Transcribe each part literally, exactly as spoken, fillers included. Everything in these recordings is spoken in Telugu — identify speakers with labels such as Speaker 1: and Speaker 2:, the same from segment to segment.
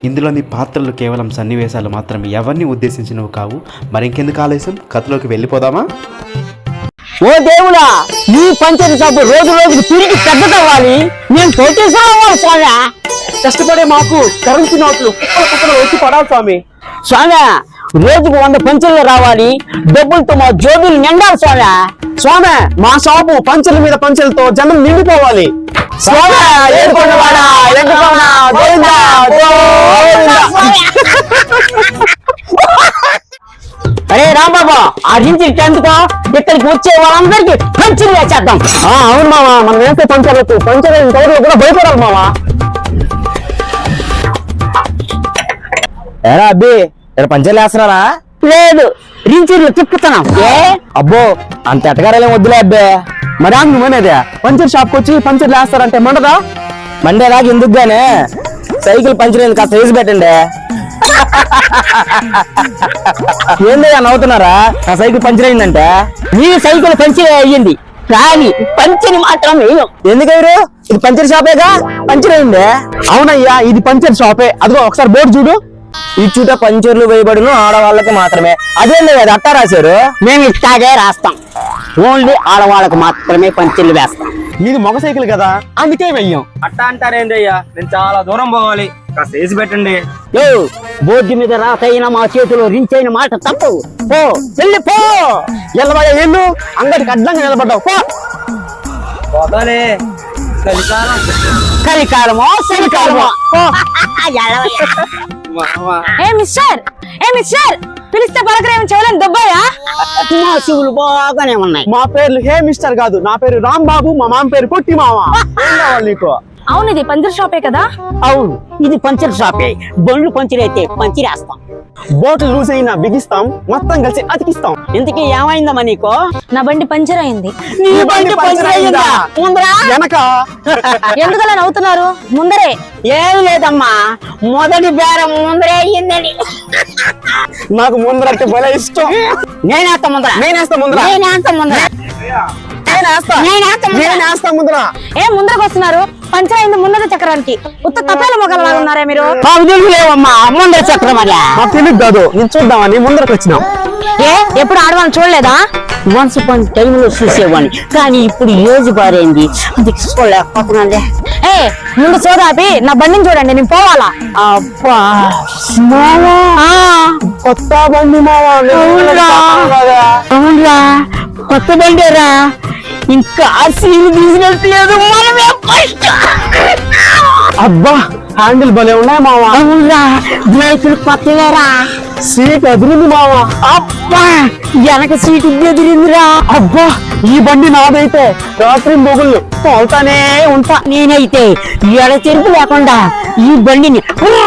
Speaker 1: ఇందులోని పాత్రలు కేవలం సన్నివేశాలు మాత్రమే, ఎవరిని ఉద్దేశించినవి కావు. మరి ఇంకెందుకు ఆలస్యం, కథలోకి వెళ్ళిపోదామా?
Speaker 2: ఓ దేవుడా, నీ పంచర్ షాపు రోజు రోజుకి తిరిగి పెద్దదవ్వాలి. నేను తోచేసాను స్వామి.
Speaker 3: కష్టపడే మాకు కరెన్సీ నోట్లు కుప్పలు కుప్పలు వచ్చి పడాలి స్వామి.
Speaker 2: స్వామి, రోజుకు వంద పంచర్లు రావాలి, డబ్బులతో మా జోబులు నిండాలి స్వామి.
Speaker 3: స్వామి, మా షాపు పంచర్ల మీద పంచర్లతో జనం నిండిపోవాలి.
Speaker 2: స్వామి, ఏడుకొండవాడా, ఏడుకొండ, గోవిందా, గోవిందా. అరే రాంబాబా, ఆ నుంచి టెన్త్కో ఇక్కడికి వచ్చే వాళ్ళందరికీ పంచర్లు వేసేద్దాం.
Speaker 3: అవును మావా, మనం వేస్తే పంచర్లకు పంచర్ టైర్లు కూడా భయపడాలి మావా.
Speaker 4: ఏరా అబ్బి, ఇక్కడ పంచర్లు వేస్తున్నారా?
Speaker 2: లేదు, రించీర్లు తిప్పుతున్నాం. ఏ
Speaker 4: అబ్బో, అంత ఎటగారాలేం వద్దులే అబ్బే.
Speaker 3: మరి నువ్వేనేదే పంచర్ షాప్కి వచ్చి పంచర్లు వేస్తారంటే మండదా?
Speaker 4: మండేలాగా ఎందుకు గానే సైకిల్ పంచర్ అయింది, కాస్త వేసి పెట్టండి. ఏందయ్యా నవ్వుతున్నారా? నా సైకిల్ పంచర్ అయిందంటే.
Speaker 2: నీ సైకిల్ పంచర్ అయ్యింది కానీ పంచర్ మాత్రం వేయం.
Speaker 4: ఎందుకయ్యారు? ఇది పంచర్ షాపేగా, పంచర్ అయింది.
Speaker 3: అవునయ్యా, ఇది పంచర్ షాపే. అదిగో ఒకసారి బోర్డు చూడు.
Speaker 4: ఈ చూట పంచర్లు వేయబడిన ఆడవాళ్ళకి మాత్రమే. అదేంది అది అట్టా రాశారు?
Speaker 2: మేము ఇట్లాగే రాస్తాం, ఓన్లీ ఆడవాళ్ళకు మాత్రమే పంచర్లు వేస్తాం.
Speaker 3: మీది మగ సైకిల్ కదా, అందుకే వెయ్యం.
Speaker 4: అట్టా అంటారేందయ్యా? నేను చాలా దూరం పోవాలి, కాస్త వేసి పెట్టండి.
Speaker 2: యో, బోర్డు మీద రాతైన మా చేతిలో రించైన మాట తప్పు. పో వెళ్ళి పో.
Speaker 3: ఎల్లబోయా ఏళ్ళు అంగడికి అడ్డంగా నిలబడ్డావు. పో.
Speaker 4: పోతాలే, కలికాలం.
Speaker 2: కలికాలమో చలికాలమో.
Speaker 5: ఏ మిస్టర్ ఏ మిస్టర్ పిలిస్తే పలకరేమి చేయలేని దుబ్బయ్యా?
Speaker 2: మా శివులు బాగానే ఉన్నాయి.
Speaker 3: మా పేర్లు హే మిస్టర్ కాదు, నా పేరు రాంబాబు, మా మామ పేరు పొట్టి మామ. ఏం కావాలి నీకు?
Speaker 5: అవును, ఇది పంచర్ షాపే కదా?
Speaker 2: అవును, ఇది పంచర్ షాపే. బండ్లు పంచర్ అయితే పంచిరేస్తాం,
Speaker 3: బోట్లు లూజ్ అయినా బిగిస్తాం, మొత్తం కలిసి అతికిస్తాం.
Speaker 2: ఇంతకీ ఏమైందమ్మా నీకు?
Speaker 5: నా బండి పంచర్ అయింది.
Speaker 2: నీ బండి పంచర్ అయ్యిందా? ముందరా
Speaker 3: వెనక
Speaker 5: ఎందుకలా నవ్వుతున్నారు? ముందరే.
Speaker 2: ఏం లేదమ్మా, మొదటి బేరం ముందరే అయ్యిందని.
Speaker 3: నాకు ముందరంటే భలే ఇష్టం.
Speaker 2: నేనేస్తా ముందర,
Speaker 3: నేనేస్తా ముందర,
Speaker 2: నేనేస్తా ముందర,
Speaker 3: నేనేస్తా
Speaker 2: నేనేస్తా ముందర.
Speaker 3: నేనేస్తా ముందర.
Speaker 5: ఏ ముందరకు వస్తున్నారు? పంచర్ అయింది ముందర చక్రానికి. ఉత్త తప్పేల మొగలలాగా ఉన్నారా మీరు?
Speaker 2: మాకు తెలుసులేవమ్మా ముందర చక్రం అలా.
Speaker 3: మాకు తెలియదు కాదు, నేను చూద్దామని ముందరకు వచ్చినాం.
Speaker 5: ఏ ఎప్పుడు ఆడవాళ్ళని చూడలేదా?
Speaker 2: వన్స్ అపాన్ టైంలో చూసేవాడిని, కానీ ఇప్పుడు ఏజ్ బారైంది, అది చూడలేకపోతున్నాను.
Speaker 5: ఏ ముందు చూడాపి నా బండిని చూడండి, నేను పోవాలా.
Speaker 2: అబ్బా
Speaker 3: మావా, కొత్త బండి మావా.
Speaker 2: అవునురా, అవునురా, కొత్త బండేరా. ఇంకా సీన్ తీసినట్లేదు, మనమే ఫస్ట్.
Speaker 3: అబ్బా, హ్యాండిల్ భలే ఉన్నాయి మావా.
Speaker 2: అవునురా, బ్రేకులు కొత్తవేరా.
Speaker 3: సీట్ అదిరింది మావా.
Speaker 2: అబ్బా, వెనక సీటు ఎదిరిందిరా.
Speaker 3: అబ్బా, ఈ బండి నాదైతే రాత్రి మొగుళ్ళు తోలుతానే ఉంటా.
Speaker 2: నేనైతే ఎడ చెరుపు లేకుండా ఈ బండిని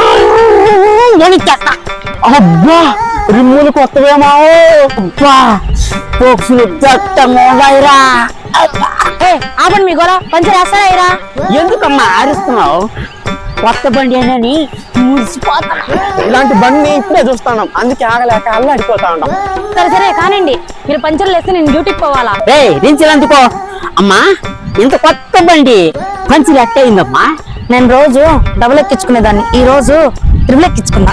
Speaker 2: వణికేస్తా.
Speaker 3: అబ్బా, రిమ్ములు కొత్తవే మావో.
Speaker 2: అబ్బా, పోక్సులు దట్టంగా ఉన్నాయిరా.
Speaker 5: ఏ ఆపండి మీ గోల, పంచర్ వేస్తారా?
Speaker 2: ఎందుకమ్మా అరుస్తున్నావు? కొత్త బండి అని మురిసిపోతా.
Speaker 3: ఇలాంటి బండి ఇప్పుడే చూస్తాం, అందుకే ఆగలేక అల్లాడిపోతా ఉంటాం.
Speaker 5: సరే సరే కానివ్వండి, మీరు పంచర్లు వేస్తే నేను డ్యూటీకి పోవాలా?
Speaker 2: రే రించలందుకో. అమ్మా, ఇంత కొత్త బండి పంచులు ఎట్టయిందమ్మా?
Speaker 5: నేను రోజు డబుల్ ఎక్కించుకునేదాన్ని, ఈ రోజు త్రిబుల్ ఎక్కించుకున్నా.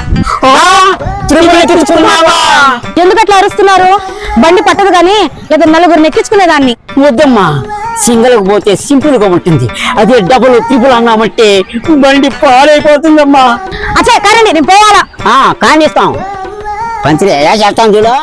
Speaker 5: ఎందుకు అట్లా అరుస్తున్నారు? బండి పట్టదు కానీ లేదా నలుగురిని ఎక్కించుకునేదాన్ని.
Speaker 2: వద్దమ్మా, సింగిల్ పోతే సింపుల్ గా ఉంటుంది, అదే డబుల్ త్రిపుల్ అన్నామంటే బండి పాడైపోతుందమ్మా.
Speaker 5: అచ్చా కానండి, నేను పోవాలా.
Speaker 2: ఆ కానిస్తాం, పంచర్ ఎలా చేస్తాం చూడు.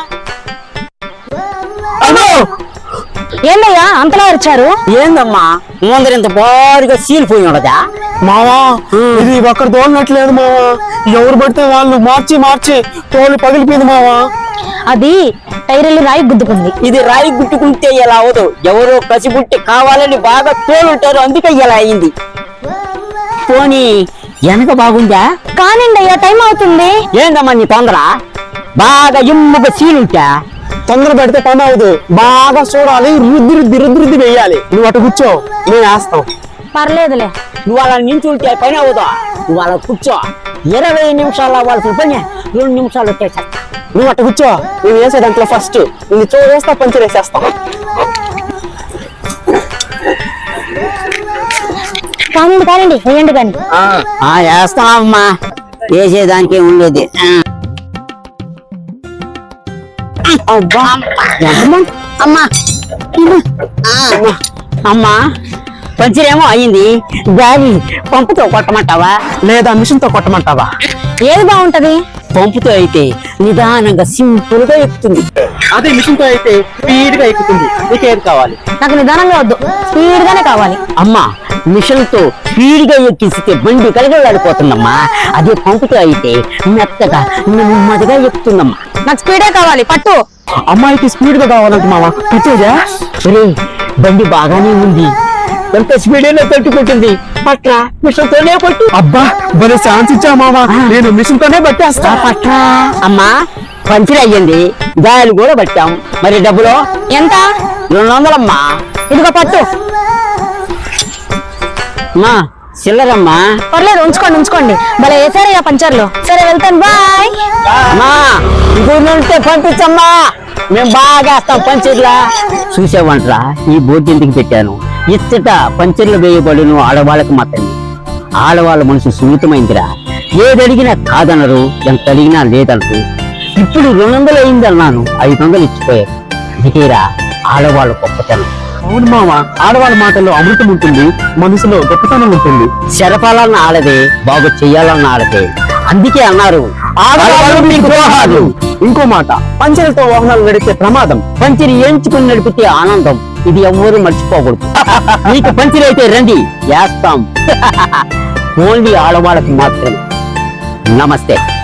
Speaker 5: ఏందయ్యా అంతలా అరిచారు?
Speaker 2: ఏందమ్మా, ముందర ఇంత బారుగా సీలిపోయి ఉండదా?
Speaker 3: మావా, ఇది ఒక్కరు తోలినట్లేదు మావా. ఎవరు పడితే వాళ్ళు మార్చి మార్చి తోలు పగిలిపోయింది మావా.
Speaker 5: అది టైర్లు రాయి గుద్దుకుంది.
Speaker 2: ఇది రాయి గుట్టుకుంటే ఎలా అవదు, ఎవరో కసిపుట్టి కావాలని బాగా తోలుంటారు, అందుకే ఇలా అయింది. పోనీ వెనక బాగుందా?
Speaker 5: కానిండి అయ్యా, టైం అవుతుంది.
Speaker 2: ఏందమ్మా నీ తొందర? బాగా ఎమ్ముగా సీలుంటా.
Speaker 3: తొందర పెడితే పని అవదు, బాగా చూడాలి, రుద్ది రుద్ది రుద్ది రుద్ది వేయాలి. నువ్వు అటు కూర్చో, నేను వేస్తాం.
Speaker 5: పర్లేదులే.
Speaker 2: నువ్వు అలా నించుంటే పని అవుదా? నువ్వు అలా కూర్చో, ఇరవై నిమిషాలు అవ్వాల్సిన పని రెండు నిమిషాలు వచ్చేసా.
Speaker 3: నువ్వు అటు కూర్చో, నేను వేసే దాంట్లో ఫస్ట్ నేను చూడేస్తా, పంచర్ వేసేస్తాం.
Speaker 5: కానివ్వండి కానివ్వండి, వేయండి కానీ.
Speaker 2: వేస్తామమ్మా. వేసేదానికి ఉండేది ఆ. అబ్బా ఎంతమ్మా? అమ్మా ఆ, అమ్మా పంచరేమో అయింది, గాలి పంపుతో కొట్టమంటావా?
Speaker 3: లేదా మిషన్ తో కొట్టమంటావా?
Speaker 5: ఏది బాగుంటది?
Speaker 2: పంపుతో అయితే నిదానంగా సింపుల్ గా ఎక్కుతుంది.
Speaker 3: అదే మిషన్ తో అయితే స్పీడ్ గా ఎక్కుతుంది. నీకేది కావాలి?
Speaker 5: నాకు నిదానంగా వద్దు, స్పీడ్ గానే కావాలి.
Speaker 2: అమ్మా మిషన్ తో స్పీడ్ గా ఎక్కిస్తే బండి కలగలాడిపోతుందమ్మా. అదే పంపుతో అయితే మెత్తగా నెమ్మదిగా ఎక్కుతుందమ్మా.
Speaker 5: నాకు స్పీడే కావాలి, పట్టు.
Speaker 3: అమ్మాయికి స్పీడ్ గా కావాలంట మామ. పచ్చేదా?
Speaker 2: ఒరే, బండి బాగానే ఉంది, ఎంత స్పీడ్ అయినా తట్టుకుంటుంది. పట్ల మిషన్ తోనే పట్టు.
Speaker 3: అబ్బా భలే ఛాన్స్ ఇచ్చా మామ. నేను మిషన్ తోనే పట్టేస్తా.
Speaker 2: పట్ల అమ్మా పంచర్ అయ్యింది, గాయాలు కూడా పట్టాం. మరి డబ్బులు
Speaker 5: ఎంత?
Speaker 2: రెండు వందలమ్మా.
Speaker 5: ఇదిగో పట్టు.
Speaker 2: అమ్మా చిల్లరమ్మా.
Speaker 5: పర్లేదు, ఉంచుకోండి ఉంచుకోండి. భలే వేసారయ్యా పంచర్లు. సరే వెళ్తాను, బాయ్.
Speaker 2: అమ్మా ఇంకొన్ని ఉంటే పంపించమ్మా, మేము బాగా వేస్తాం పంచర్లా. చూసావంటరా ఈ బోర్డు ఎందుకు పెట్టాను? ఇచ్చట పంచర్లు వేయబడును ఆడవాళ్ళకు మాత్రమే. ఆడవాళ్ళ మనసు సున్నితమైందిరా, ఏదడిగినా కాదనరు, ఎంత అడిగినా లేదనరు. ఇప్పుడు రెండు వందలు అయిందన్నాను, ఐదు వందలు ఇచ్చిపోయారు. ఇదికేరా ఆడవాళ్ళ గొప్పతనం.
Speaker 3: అవును మామ, ఆడవాళ్ళ మాటల్లో అమృతం ఉంటుంది, మనసులో గొప్పతనం ఉంటుంది.
Speaker 2: శరపాలన్న ఆడదే, బాగు చెయ్యాలన్న ఆడదే. అందుకే అన్నారు ఆడవాళ్ళు మీకు ద్రోహాలు.
Speaker 3: ఇంకో మాట, పంచలతో వాహనాలు నడిపే ప్రమాదం.
Speaker 2: పంచిరి ఎంచుకుని నడిపితే ఆనందం, ఇది ఎవ్వరూ మర్చిపోకూడదు. మీకు పంచిరి అయితే రండి, వేస్తాం. ఓన్లీ ఆడవాళ్ళకి మాత్రమే. నమస్తే.